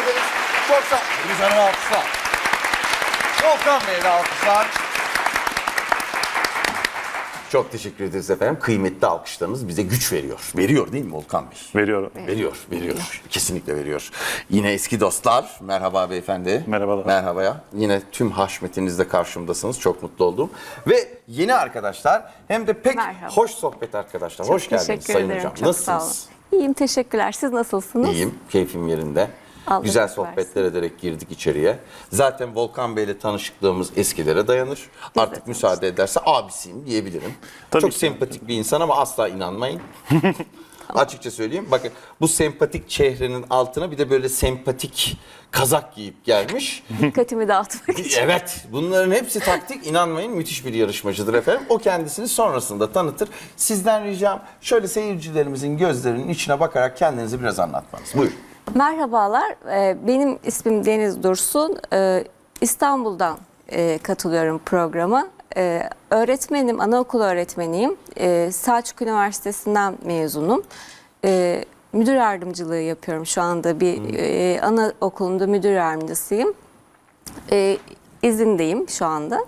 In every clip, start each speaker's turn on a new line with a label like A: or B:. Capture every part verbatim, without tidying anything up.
A: ederiz. Çok sağ olun. Güzel alkışlar. Volkan Bey'le alkışlar. Çok teşekkür ederiz efendim. Kıymetli alkışlarınız bize güç veriyor. Veriyor değil mi Volkan Bey?
B: Veriyorum.
A: Veriyor, veriyor. Kesinlikle veriyor. Yine eski dostlar. Merhaba beyefendi.
B: Merhabalar.
A: Merhabaya. Yine tüm haşmetinizle karşımdasınız. Çok mutlu oldum. Ve yeni arkadaşlar hem de pek
C: Merhaba.
A: hoş sohbet arkadaşlar.
C: Çok
A: hoş geldiniz
C: teşekkür
A: Sayın
C: ederim.
A: Hocam.
C: Çok sağ
A: Nasılsınız?
C: olun. İyiyim, teşekkürler. Siz nasılsınız?
A: İyiyim, keyfim yerinde.
C: Allah
A: Güzel
C: razı
A: sohbetler ederek girdik içeriye. Zaten Volkan Bey'le tanışıklığımız eskilere dayanır.
C: Biz
A: Artık
C: de
A: müsaade ederse abisiyim diyebilirim.
B: Tabii
A: Çok
B: ki.
A: sempatik bir insan ama asla inanmayın. Açıkça söyleyeyim. Bakın bu sempatik çehrenin altına bir de böyle sempatik kazak giyip gelmiş.
C: Dikkatimi dağıtmak için.
A: Evet, bunların hepsi taktik. İnanmayın, müthiş bir yarışmacıdır efendim. O kendisini sonrasında tanıtır. Sizden ricam şöyle seyircilerimizin gözlerinin içine bakarak kendinizi biraz anlatmanız. Buyurun.
C: Merhabalar, ee, benim ismim Deniz Dursun. Ee, İstanbul'dan e, katılıyorum programa. Ee, öğretmenim, anaokulu öğretmeniyim. Ee, Selçuk Üniversitesi'nden mezunum. Ee, müdür yardımcılığı yapıyorum şu anda. Bir e, anaokulunda müdür yardımcısıyım. Ee, izindeyim şu anda.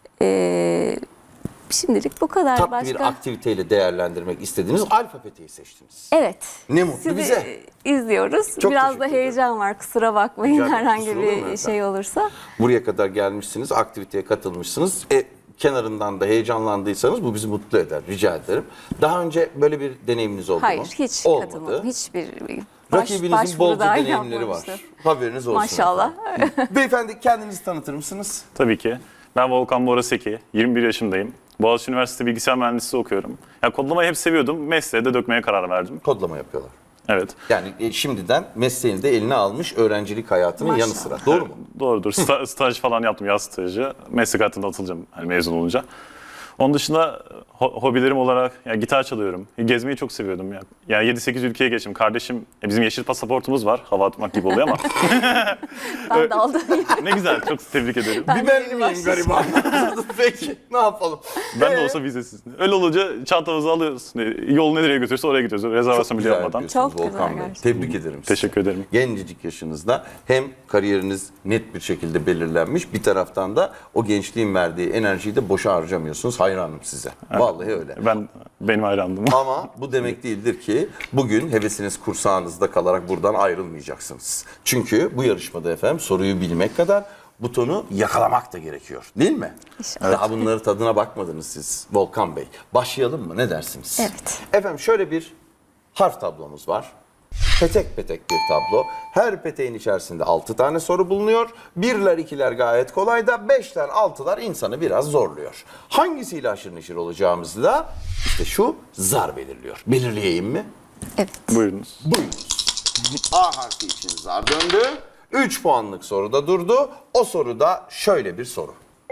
C: Ee, şimdilik bu kadar.
A: Tat
C: Başka...
A: bir aktiviteyle değerlendirmek istediğiniz alfabeteyi seçtiniz.
C: Evet.
A: Ne mutlu
C: Sizi
A: bize.
C: izliyoruz.
A: Çok
C: Biraz da
A: teşekkür
C: heyecan var. Kusura bakmayın
A: Rica ederim.
C: herhangi
A: Kusura olur mu
C: bir
A: efendim?
C: şey olursa.
A: Buraya kadar gelmişsiniz, aktiviteye katılmışsınız. E, kenarından da heyecanlandıysanız bu bizi mutlu eder. Rica ederim. Daha önce böyle bir deneyiminiz oldu
C: Hayır,
A: mu?
C: hiç
A: Olmadı.
C: katılmadım. Hiçbir baş,
A: Rakibinizin
C: başvuru
A: bolca
C: dahi
A: deneyimleri var.
C: yapmamıştım.
A: Haberiniz olsun.
C: Maşallah.
A: efendim. Beyefendi kendinizi tanıtır mısınız?
B: Tabii ki. Ben Volkan Bora Seki, yirmi bir yaşındayım. Boğaziçi Üniversitesi Bilgisayar Mühendisliği okuyorum. Ya kodlamayı hep seviyordum. Mesleğe de dökmeye karar verdim.
A: Kodlama yapıyorlar.
B: Evet.
A: Yani e, şimdiden mesleğini de eline almış öğrencilik hayatının yanı
C: Maşallah.
A: sıra. Doğru mu?
B: Doğrudur. Sta- staj falan yaptım, yaz stajı. Meslek hayatında atılacağım hani mezun olunca. Onun dışında ho- hobilerim olarak ya gitar çalıyorum. Gezmeyi çok seviyordum ya. Yani yedi sekiz ülkeye geçtim. Kardeşim e, bizim yeşil pasaportumuz var. Hava atmak gibi oluyor ama.
C: Ben de aldım.
B: Ne güzel. Çok tebrik ederim.
C: Ben
A: Bir
C: de
A: ben
C: yeni
A: miyim gariban? Peki ne yapalım?
B: Ben de
A: Ee,
B: olsa vizesiz. Öyle olunca çantamızı alıyoruz. E, Yol nereye götürürse oraya gidiyoruz. Rezervasyon bile
A: güzel
B: yapmadan.
A: yapıyorsunuz
C: Çok güzel
A: Volkan Bey.
C: gerçekten.
A: Tebrik ederim sizi.
B: Teşekkür ederim.
A: Gencecik yaşınızda hem kariyeriniz net bir şekilde belirlenmiş, bir taraftan da o gençliğin verdiği enerjiyi de boşa harcamıyorsunuz. Hayranım size. Vallahi öyle.
B: Ben benim hayrandım.
A: Ama bu demek değildir ki bugün hevesiniz kursağınızda kalarak buradan ayrılmayacaksınız. Çünkü bu yarışmada efendim soruyu bilmek kadar butonu yakalamak da gerekiyor. Değil mi?
C: İnşallah.
A: Daha bunları tadına bakmadınız siz Volkan Bey. Başlayalım mı? Ne dersiniz?
C: Evet.
A: Efendim şöyle bir harf tablomuz var. Petek petek bir tablo. Her peteğin içerisinde altı tane soru bulunuyor. Birler, ikiler gayet kolay da beşler, altılar insanı biraz zorluyor. Hangisiyle aşırı neşir olacağımızı da işte şu zar belirliyor. Belirleyeyim mi?
C: Evet.
B: Buyurunuz.
A: Buyurunuz. A harfi için zar döndü. üç puanlık soruda durdu. O soruda şöyle bir soru.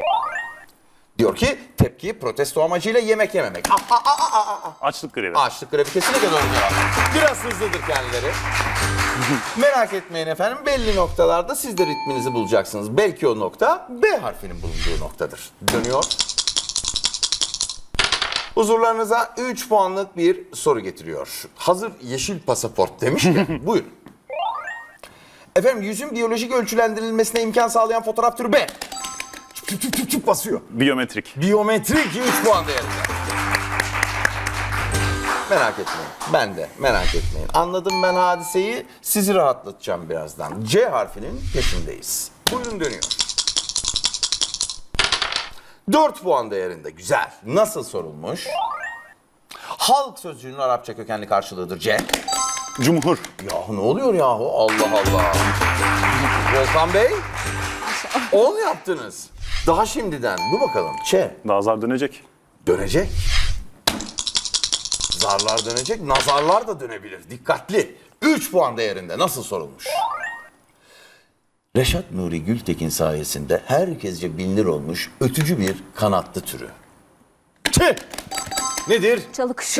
A: Diyor ki tepki protesto amacıyla yemek yememek. Ah, ah, ah, ah, ah.
B: Açlık grevi.
A: Açlık grevi kesinlikle doğru cevap. Biraz hızlıdır kendileri. Merak etmeyin efendim, belli noktalarda siz de ritminizi bulacaksınız. Belki o nokta B harfinin bulunduğu noktadır. Dönüyor. Huzurlarınıza üç puanlık bir soru getiriyor. Hazır yeşil pasaport demişken buyurun. Efendim yüzün biyolojik ölçülendirilmesine imkan sağlayan fotoğraf türü B. Çıp çıp çıp çıp basıyor.
B: Biyometrik.
A: Biyometrik üç puan değerinde. Merak etmeyin. Ben de merak etmeyin. Anladım ben hadiseyi. Sizi rahatlatacağım birazdan. C harfinin peşindeyiz. Buyurun dönüyor. dört puan değerinde. Güzel. Nasıl sorulmuş? Halk sözcüğünün Arapça kökenli karşılığıdır C.
B: Cumhur.
A: Yahu ne oluyor yahu? Allah Allah. Volkan Bey. on yaptınız. Daha şimdiden. Dur bakalım. Ç.
B: Daha zar dönecek.
A: Dönecek. Zarlar dönecek, nazarlar da dönebilir. Dikkatli. üç puan değerinde. Nasıl sorulmuş? Reşat Nuri Gültekin sayesinde herkesce bilinir olmuş ötücü bir kanatlı türü. Tüh! Nedir?
C: Çalı kuşu.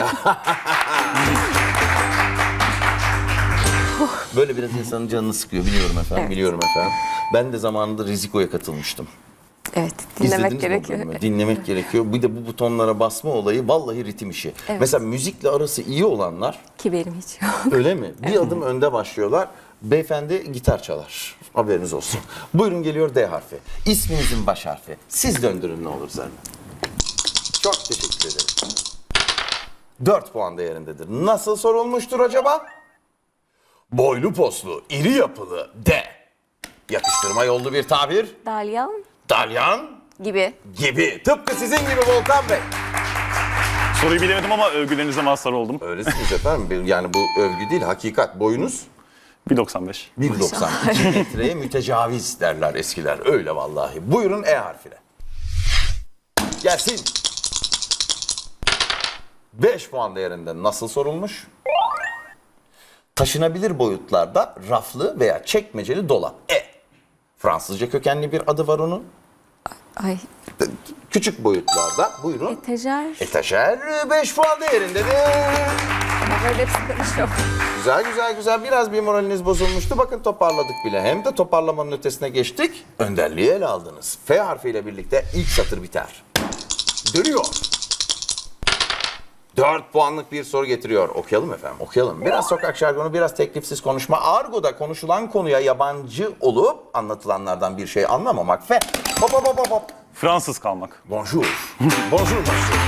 A: Böyle biraz insanın canını sıkıyor. Biliyorum efendim,
C: Evet.
A: biliyorum efendim. Ben de zamanında Riziko'ya katılmıştım.
C: Evet, dinlemek
A: İzlediniz mi o
C: gerekiyor.
A: bölümü? Dinlemek gerekiyor. Bir de bu butonlara basma olayı vallahi ritim işi.
C: Evet.
A: Mesela müzikle arası iyi olanlar
C: Ki benim hiç yok.
A: öyle mi? Bir adım önde başlıyorlar. Beyefendi gitar çalar. Haberiniz olsun. Buyurun geliyor D harfi. İsminizin baş harfi. Siz döndürün ne olur Zerrin. Çok teşekkür ederim. dört puan değerindedir. Nasıl sorulmuştur acaba? Boylu poslu, iri yapılı D. Yakıştırma yollu bir tabir.
C: Dalyan
A: Dalyan
C: gibi.
A: gibi. Tıpkı sizin gibi Volkan Bey.
B: Soruyu bilemedim ama övgülerinize mazhar oldum.
A: Öylesiniz efendim. Yani bu övgü değil, hakikat. Boyunuz
B: bir doksan beş.
A: bir doksan. iki metreye mütecaviz derler eskiler. Öyle vallahi. Buyurun E harfine. Gelsin. beş puan değerinde nasıl sorulmuş? Taşınabilir boyutlarda raflı veya çekmeceli dolap. E. Fransızca kökenli bir adı var onun.
C: Ay,
A: Küçük boyutlarda. Buyurun.
C: etajer.
A: Etajer beş puan değerindedir.
C: Ama böyle hepsi karışıyor.
A: Güzel güzel güzel. Biraz bir moraliniz bozulmuştu. Bakın toparladık bile. Hem de toparlamanın ötesine geçtik. Önderliği ele aldınız. F harfiyle birlikte ilk satır biter. Dönüyor. dört puanlık bir soru getiriyor. Okuyalım efendim, okuyalım. Biraz sokak jargonu, biraz teklifsiz konuşma. Argo'da konuşulan konuya yabancı olup anlatılanlardan bir şey anlamamak. F. Hop hop hop hop hop.
B: Fransız kalmak.
A: Bonjour. Bonjour monsieur.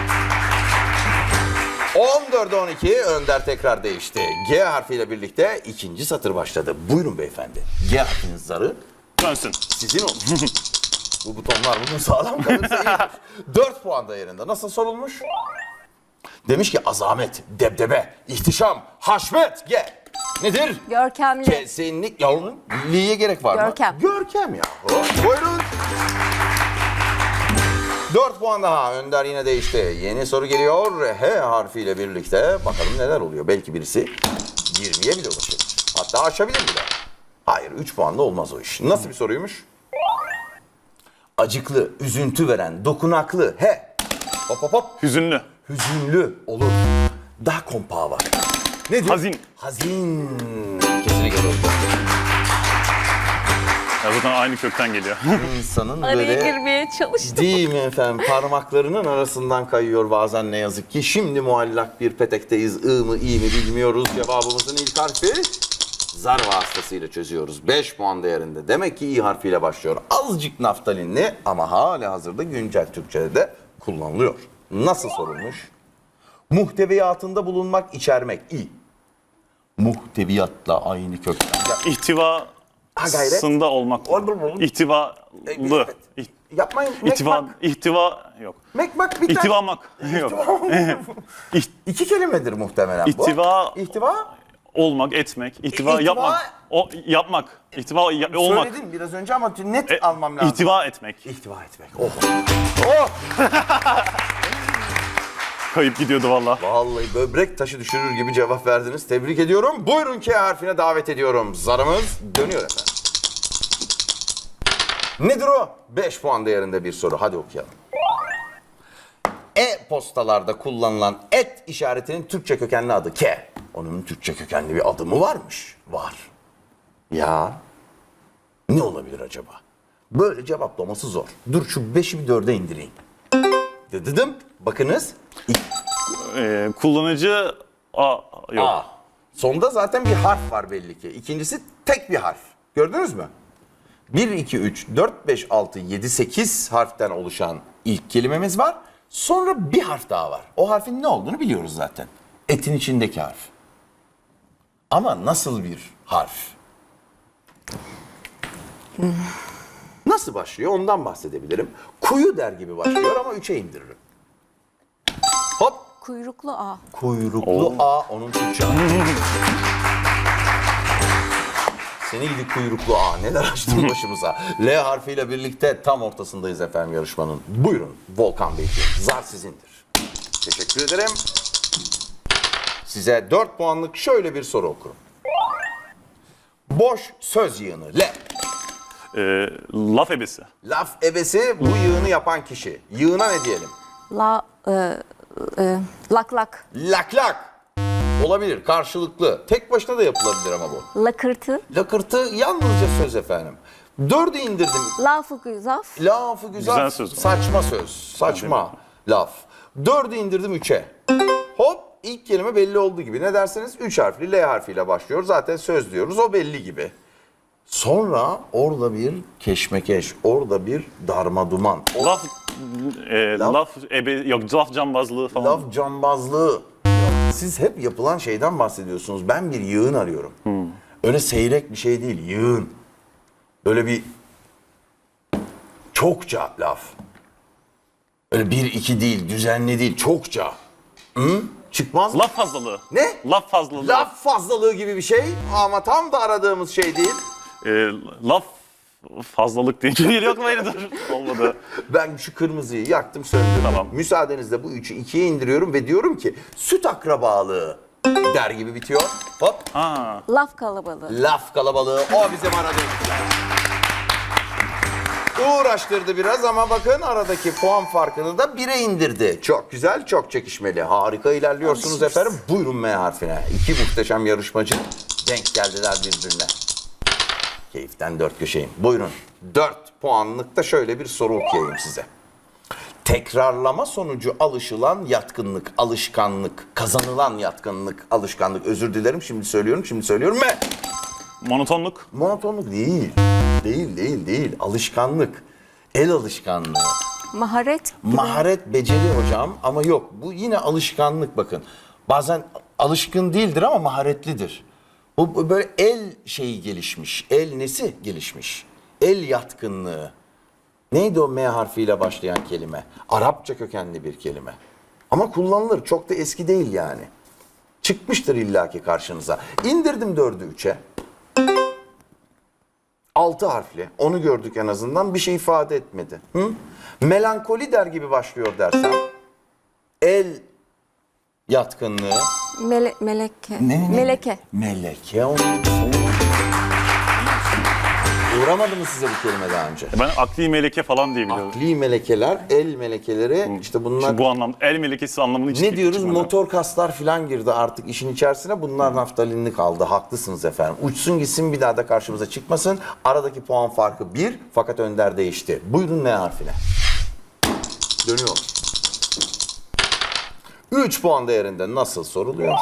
A: on dörde on iki Önder tekrar değişti. G harfiyle birlikte ikinci satır başladı. Buyurun beyefendi. G harfinin zarı
B: Dönsün.
A: sizin olsun. Bu butonlar bugün sağlam kalırsa iyidir. dört puan değerinde. Nasıl sorulmuş? Demiş ki azamet, debdebe, ihtişam, haşmet. G. Nedir?
C: Görkemli.
A: Kesinlikle. Ya onun liye gerek var mı?
C: Görkem.
A: Görkem ya. Buyurun. dört puan daha. Önder yine değişti. Yeni soru geliyor. H harfiyle birlikte bakalım neler oluyor. Belki birisi yirmiye bile ulaşabilir. Hatta aşabilir bile. Hayır, üç puanla olmaz o iş. Nasıl bir soruymuş? Acıklı, üzüntü veren, dokunaklı. H. Hop hop hop.
B: Hüzünlü.
A: Hüzünlü olur. Daha kompağı var. Nedir?
B: Hazin.
A: Hazin. Kesinlikle doğru.
B: Ya zaten aynı kökten geliyor.
A: İnsanın
C: Araya
A: böyle...
C: girmeye çalıştım.
A: Değil mi efendim? Parmaklarının arasından kayıyor bazen ne yazık ki. Şimdi muallak bir petekteyiz. I mı i mi bilmiyoruz. Cevabımızın ilk harfi zar vasıtasıyla çözüyoruz. beş puan değerinde. Demek ki i harfiyle başlıyor. Azıcık naftalinli ama hala hazırda güncel Türkçe'de de kullanılıyor. Nasıl sorulmuş? Muhteviyatında bulunmak, içermek. İ. Muhteviyatla aynı kökten. Ya,
B: İhtivasında olmak. İhtivalı.
A: evet.
B: İh-
A: Yapmayın.
B: İhtiva,
A: Mekmak.
B: ihtiva yok.
A: Mekmak biter.
B: İhtivamak yok. İh-
A: İki kelimedir muhtemelen bu.
B: İhtiva-
A: İhtiva.
B: olmak, etmek, ihtiva,
A: İhtiva-
B: yapmak. O yapmak. İhtiva ya- olmak.
A: Söyledin biraz önce ama net
B: E,
A: almam lazım.
B: İhtiva etmek.
A: İhtiva etmek. Oh. Oh.
B: Kayıp gidiyordu valla.
A: Vallahi böbrek taşı düşürür gibi cevap verdiniz. Tebrik ediyorum. Buyurun K harfine davet ediyorum. Zarımız dönüyor efendim. Nedir o? beş puan değerinde bir soru. Hadi okuyalım. E-postalarda kullanılan et işaretinin Türkçe kökenli adı K. Onun Türkçe kökenli bir adı mı varmış? Var. Ya ne olabilir acaba? Böyle cevaplaması zor. Dur şu beşi bir dörde indireyim. Dedim. Bakınız.
B: Ee, kullanıcı A yok.
A: A. Sonda zaten bir harf var belli ki. İkincisi tek bir harf. Gördünüz mü? bir, iki, üç, dört, beş, altı, yedi, sekiz harften oluşan ilk kelimemiz var. Sonra bir harf daha var. O harfin ne olduğunu biliyoruz zaten. Etin içindeki harf. Ama nasıl bir harf? Nasıl başlıyor ondan bahsedebilirim. Kuyu der gibi başlıyor ama üçe indiririm. Hop.
C: Kuyruklu A.
A: Kuyruklu A onun Türkçe adı. Seni gidi kuyruklu A. Neler açtın başımıza. L harfiyle birlikte tam ortasındayız efendim yarışmanın. Buyurun Volkan Beyciğim. Zar sizindir. Teşekkür ederim. Size dört puanlık şöyle bir soru okurum. Boş söz yığını. L.
B: Ee, laf ebesi.
A: Laf ebesi bu yığını yapan kişi. Yığına ne diyelim?
C: La, e, e, lak lak.
A: Lak lak. Olabilir. Karşılıklı. Tek başına da yapılabilir ama bu.
C: Lakırtı.
A: Lakırtı yalnızca söz efendim. Dördü indirdim.
C: Lafı güzaf.
A: Lafı güzel.
B: Güzel söz.
A: Saçma söz. Saçma laf. Dördü indirdim üçe. Hop. ilk kelime belli olduğu gibi. Ne derseniz üç harfli L harfiyle başlıyor. Zaten söz diyoruz, o belli gibi. Sonra orada bir keşmekeş, orada bir darmaduman. O
B: Laf, e,
A: Laf-
B: laf, ebe, yok laf cambazlığı falan.
A: laf cambazlığı. Siz hep yapılan şeyden bahsediyorsunuz. Ben bir yığın arıyorum. Öyle seyrek bir şey değil, yığın. Böyle bir çokça laf. Öyle bir iki değil, düzenli değil, çokça. Hı? Çıkmaz mı?
B: Laf fazlalığı.
A: Ne?
B: Laf fazlalığı.
A: Laf fazlalığı gibi bir şey ama tam da aradığımız şey değil.
B: E, laf fazlalık değil. Yok mu? Hayır, dur. Olmadı.
A: Ben şu kırmızıyı yaktım, söndürdüm.
B: Tamam.
A: Müsaadenizle bu üçü ikiye indiriyorum ve diyorum ki süt akrabalığı der gibi bitiyor. Hop.
B: Ha.
C: Laf kalabalığı.
A: Laf kalabalığı, o bizim aradığımız yer. Uğraştırdı biraz ama bakın aradaki puan farkını da bire indirdi. Çok güzel, çok çekişmeli. Harika ilerliyorsunuz efendim. Buyurun M harfine. İki muhteşem yarışmacı denk geldiler birbirine. Keyiften dört köşeyim. Buyurun. Dört puanlıkta şöyle bir soru okuyayım size. Tekrarlama sonucu alışılan yatkınlık, alışkanlık, kazanılan yatkınlık, alışkanlık. Özür dilerim, şimdi söylüyorum, şimdi söylüyorum. M.
B: Monotonluk.
A: Monotonluk değil. Değil, değil, değil. Alışkanlık. El alışkanlığı.
C: Maharet.
A: Maharet, beceri hocam ama yok. Bu yine alışkanlık bakın. Bazen alışkın değildir ama maharetlidir. Bu bu böyle el şeyi gelişmiş. El nesi gelişmiş? El yatkınlığı. Neydi o M harfiyle başlayan kelime? Arapça kökenli bir kelime. Ama kullanılır. Çok da eski değil yani. Çıkmıştır illaki karşınıza. İndirdim dördü üçe. Altı harfli. Onu gördük en azından. Bir şey ifade etmedi. Hı? Melankoli der gibi başlıyor dersem. El yatkınlığı.
C: Mele, meleke.
A: Ne, ne, ne?
C: Meleke.
A: Meleke. Onu... Uğramadı mı size bu kelime daha önce?
B: Ben akli meleke falan diye biliyorum.
A: Akli melekeler, el melekeleri işte bunlar...
B: Şimdi bu anlamda el melekesi anlamını hiç
A: Ne diyoruz?
B: çıkmadı.
A: Motor kaslar falan girdi artık işin içerisine. Bunlar naftalinli kaldı. Haklısınız efendim. Uçsun gitsin, bir daha da karşımıza çıkmasın. Aradaki puan farkı bir fakat Önder değişti. Buyurun N harfine. Dönüyor. üç puan değerinde nasıl soruluyor?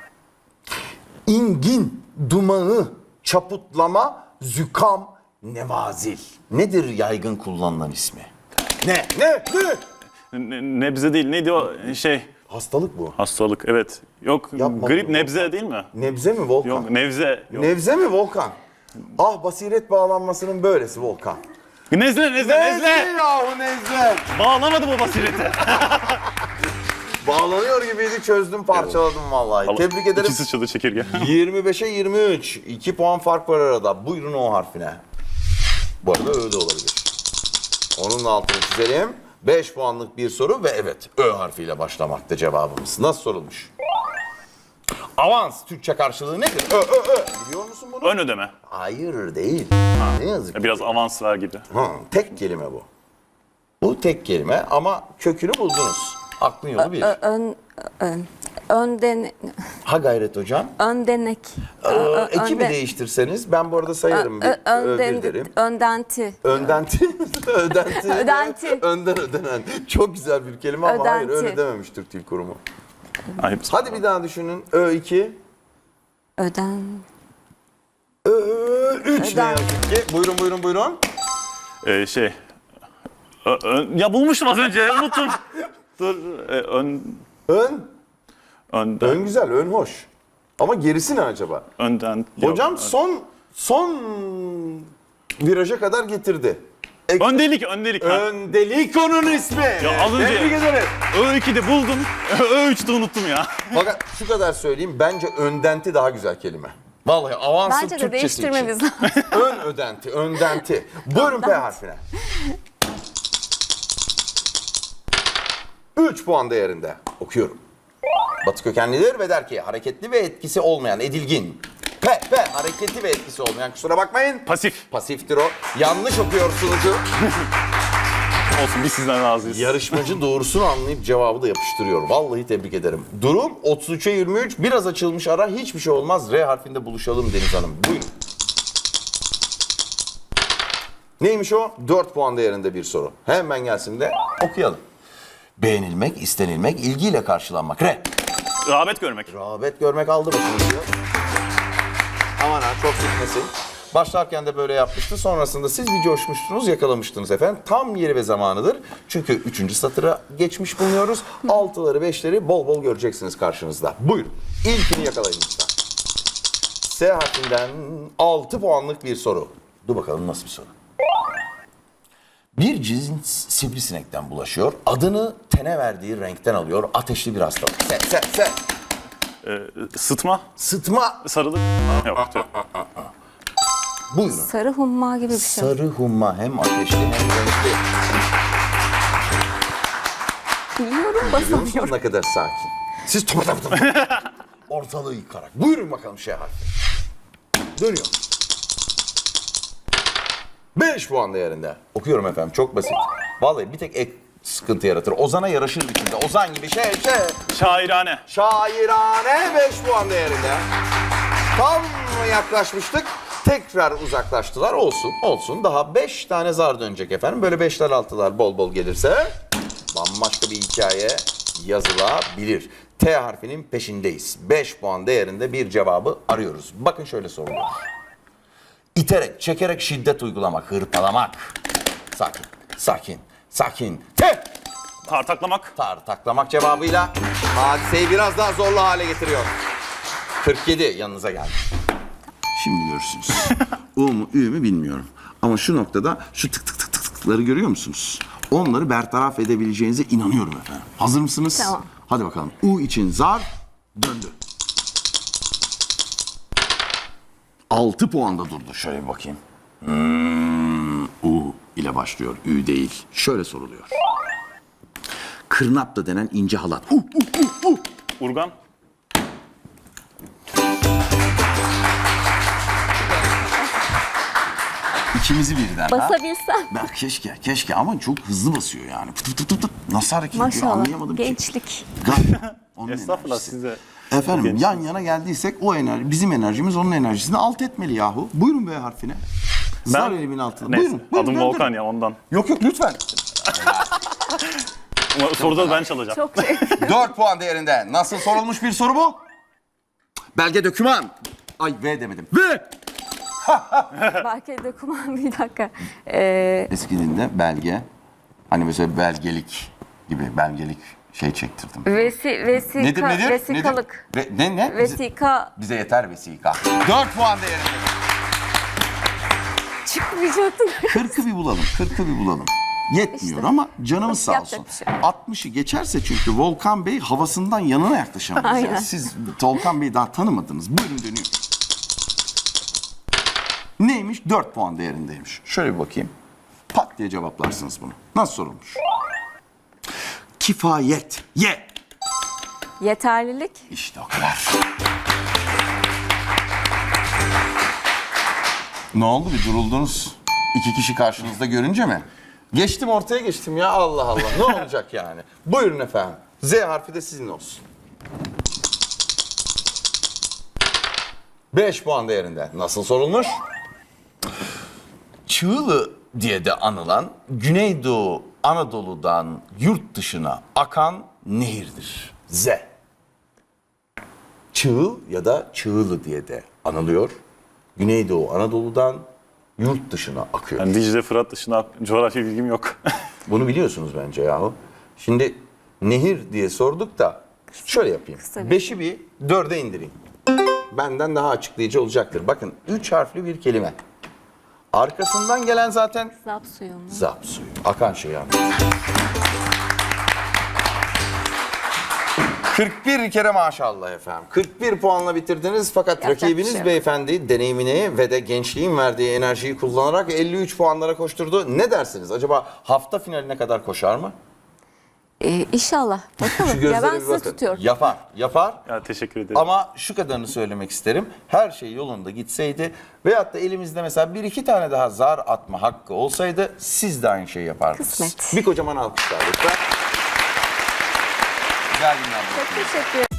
A: İngin, dumanı, çaputlama, zükam, nevazil. Nedir yaygın kullanılan ismi? Ne? Ne? Ne?
B: Ne- Nebze değil. Neydi o şey?
A: Hastalık bu.
B: Hastalık. Evet. Yok
A: Yapma
B: grip
A: bunu.
B: nebze değil mi?
A: Nebze mi Volkan?
B: Yok nevze. Yok.
A: Nevze mi Volkan? Ah, basiret bağlanmasının böylesi Volkan.
B: Nezle nezle nezle.
A: yahu nezle.
B: Bağlamadım o basireti.
A: Bağlanıyor gibiydi, çözdüm, parçaladım vallahi. Tebrik ederim.
B: İkisi çalı çekirge.
A: yirmi beşe yirmi üç. iki puan fark var arada. Buyurun o harfine. Bu arada Ö de olabilir. Onun da altını çizelim. beş puanlık bir soru ve evet Ö harfiyle başlamakta cevabımız. Nasıl sorulmuş? Avans Türkçe karşılığı nedir? Ö, Ö, Ö. Biliyor musun bunu?
B: Ön ödeme.
A: Hayır değil. Ne yazık ki.
B: Biraz avans ver gibi.
A: Ha, tek kelime bu. Bu tek kelime ama kökünü buldunuz. Aklın yolu bir.
C: Ö- ön, ön, önden,
A: Ha gayret hocam.
C: öndenek.
A: Ee, ekibi değiştirseniz ben bu arada sayarım. Bir,
C: Ö- önden,
A: bir derim.
C: öndenti.
A: Öndenti. Ödenti.
C: Ödenti.
A: Önden ödenen. Çok güzel bir kelime ama hayır
C: Ödenti.
A: öyle dememiş Türk Dil Kurumu.
B: Ayıp.
A: Hadi bir daha düşünün. Ö iki.
C: Öden.
A: Ö üç ne
C: Öden.
A: yazık ki. Buyurun buyurun buyurun.
B: Ee, şey. Ö- ön- ya bulmuştum az önce. Unuttum. Dur. e, ön.
A: Ön.
B: Önden.
A: Ön güzel, ön hoş. Ama gerisi ne acaba?
B: Önden. yok.
A: Hocam son son viraja kadar getirdi. Ek-
B: Öndelik, öndelik. ha.
A: Öndelik onun ismi.
B: Ya az önce-
A: Tebrik ederim.
B: Ö ikide buldum. Ö üçte unuttum ya.
A: Fakat şu kadar söyleyeyim, bence öndenti daha güzel kelime. Vallahi avansın
C: Bence de
A: Türkçesi için.
C: değiştirmemiz lazım.
A: Ön ödenti, öndenti. Buyurun P harfine. üç puan değerinde. Okuyorum. Batı kökenlidir ve der ki hareketli ve etkisi olmayan, edilgin. P, P, hareketli ve etkisi olmayan, kusura bakmayın.
B: Pasif.
A: Pasiftir o. Yanlış okuyor sunucu.
B: Olsun biz sizden razıyız.
A: Yarışmacı doğrusunu anlayıp cevabı da yapıştırıyor. Vallahi tebrik ederim. Durum otuz üçe yirmi üç. Biraz açılmış ara, hiçbir şey olmaz. R harfinde buluşalım Deniz Hanım. Buyurun. Neymiş o? dört puan değerinde bir soru. Hemen gelsin de okuyalım. Beğenilmek, istenilmek, ilgiyle karşılanmak. R.
B: Rağbet görmek.
A: Rağbet görmek aldı başını diyor. Aman ha çok gitmesin. Başlarken de böyle yapmıştı. Sonrasında siz bir coşmuştunuz, yakalamıştınız efendim. Tam yeri ve zamanıdır. Çünkü üçüncü satıra geçmiş bulunuyoruz. Altıları, beşleri bol bol göreceksiniz karşınızda. Buyurun. İlkini yakalayın lütfen. S harfinden altı puanlık bir soru. Dur bakalım nasıl bir soru. Bir cins sivrisinekten bulaşıyor. Adını tene verdiği renkten alıyor. Ateşli bir hastalık. Se, se, se.
B: Ee, sıtma.
A: Sıtma.
B: Sarılık. Yok. Yok.
A: Buyurun.
C: Sarı humma gibi bir şey.
A: Sarı humma hem ateşli hem renkli.
C: Biliyorum,
A: Görüyor musunuz
C: basamıyorum.
A: ne kadar sakin? Siz topa topa topa. Ortalığı yıkarak. Buyurun bakalım şey harfi. Dönüyor. beş puan değerinde. Okuyorum efendim çok basit. Vallahi bir tek ek sıkıntı yaratır. Ozan'a yaraşır biçimde. Ozan gibi şey şey.
B: Şairane.
A: Şairane beş puan değerinde. Tam yaklaşmıştık. Tekrar uzaklaştılar. Olsun, olsun. Daha beş tane zar dönecek efendim. Böyle beşler altılar bol bol gelirse bambaşka bir hikaye yazılabilir. T harfinin peşindeyiz. beş puan değerinde bir cevabı arıyoruz. Bakın şöyle soruluyor. İterek, çekerek şiddet uygulamak, hırpalamak. Sakin, sakin, sakin. T.
B: Tartaklamak.
A: Tartaklamak cevabıyla hadiseyi biraz daha zorlu hale getiriyor. kırk yedi yanınıza geldi. Şimdi görürsünüz. U mu Ü mü bilmiyorum. Ama şu noktada şu tık tık tık tık tıkları görüyor musunuz? Onları bertaraf edebileceğinize inanıyorum efendim. Hazır mısınız?
C: Tamam.
A: Hadi bakalım. U için zar döndü. altı puanda durdu. Şöyle bir bakayım. Hmm, U ile başlıyor. Ü değil. Şöyle soruluyor. Kırnapla denen ince halat. U, u, u, u.
B: Urgan.
A: İkimizi birden ha.
C: Basabilsem.
A: Ben keşke, keşke ama çok hızlı basıyor yani. Pıt pıt pıt pıt. Nasıl hareket ediyor
C: Maşallah.
A: anlayamadım ki.
C: Gençlik.
A: Galiba onun
B: Estağfurullah
A: enerjisi.
B: size.
A: Efendim
B: Gençlik.
A: yan yana geldiysek o enerji, bizim enerjimiz onun enerjisini alt etmeli yahu. Buyurun B harfine. Zar elimin altına.
B: Neyse.
A: Buyurun. buyurun
B: Adım
A: döndürün.
B: Volkan ya ondan.
A: Yok yok lütfen.
B: Ama soruda ben çalacağım.
C: Çok şey.
A: dört puan değerinde. Nasıl sorulmuş bir soru bu? Belge döküman. Ay V demedim. V.
C: Belki doküman bir dakika. Ee,
A: Eski dilde belge. Hani mesela belgelik gibi belgelik şey çektirdim.
C: vesi, vesika,
A: Nedir nedir?
C: vesikalık.
A: Nedir? Ve, ne ne? Bize,
C: Vesika
A: bize yeter vesika. dört puan değerinde.
C: çıkmayacaktın.
A: kırkı bir bulalım. kırkı bir bulalım. Yetmiyor
C: İşte.
A: ama canımız sağ
C: Yapacak
A: olsun.
C: bir şey yok.
A: altmışı geçerse çünkü Volkan Bey havasından yanına yaklaşamayız.
C: Aynen.
A: Yani. Siz Volkan Bey'i daha tanımadınız. Buyurun dönüyor. Neymiş? dört puan değerindeymiş. Şöyle bir bakayım. Pat diye cevaplarsınız bunu. Nasıl sorulmuş? Kifayet. Ye.
C: Yeterlilik.
A: İşte o kadar. Ne oldu bir duruldunuz? İki kişi karşınızda görünce mi? Geçtim ortaya geçtim ya Allah Allah. Ne olacak yani? Buyurun efendim. Z harfi de sizin olsun. beş puan değerinde. Nasıl sorulmuş? Çığlı diye de anılan Güneydoğu Anadolu'dan yurt dışına akan nehirdir. Z. Çığıl ya da Çığlı diye de anılıyor. Güneydoğu Anadolu'dan yurt dışına akıyor.
B: Yani Dicle, Fırat dışında coğrafya bilgim yok.
A: Bunu biliyorsunuz bence yahu. Şimdi nehir diye sorduk da şöyle yapayım.
C: Kısa bir-
A: Beşi bir dörde indireyim. Benden daha açıklayıcı olacaktır. Bakın üç harfli bir kelime. Arkasından gelen zaten
C: Zap suyu mu?
A: zap suyu. Akan şey yani. kırk bir kere maşallah efendim. kırk bir puanla bitirdiniz fakat
C: Yapacak bir
A: rakibiniz
C: şey yok.
A: beyefendi deneyimini ve de gençliğin verdiği enerjiyi kullanarak elli üç puanlara koşturdu. Ne dersiniz? Acaba hafta finaline kadar koşar mı?
C: Ee, inşallah.
A: Şu
C: Bakalım. Ya
A: gözlere
C: ben
A: bir
C: sizi
A: bakın.
C: tutuyorum.
A: Yapar, yapar.
B: Ya teşekkür ederim.
A: Ama şu kadarını söylemek isterim. Her şey yolunda gitseydi veyahut da elimizde mesela bir iki tane daha zar atma hakkı olsaydı siz de aynı şeyi yapardınız.
C: Kısmet.
A: Bir kocaman alkışlar lütfen. Güzel günler.
C: Çok teşekkür ederim.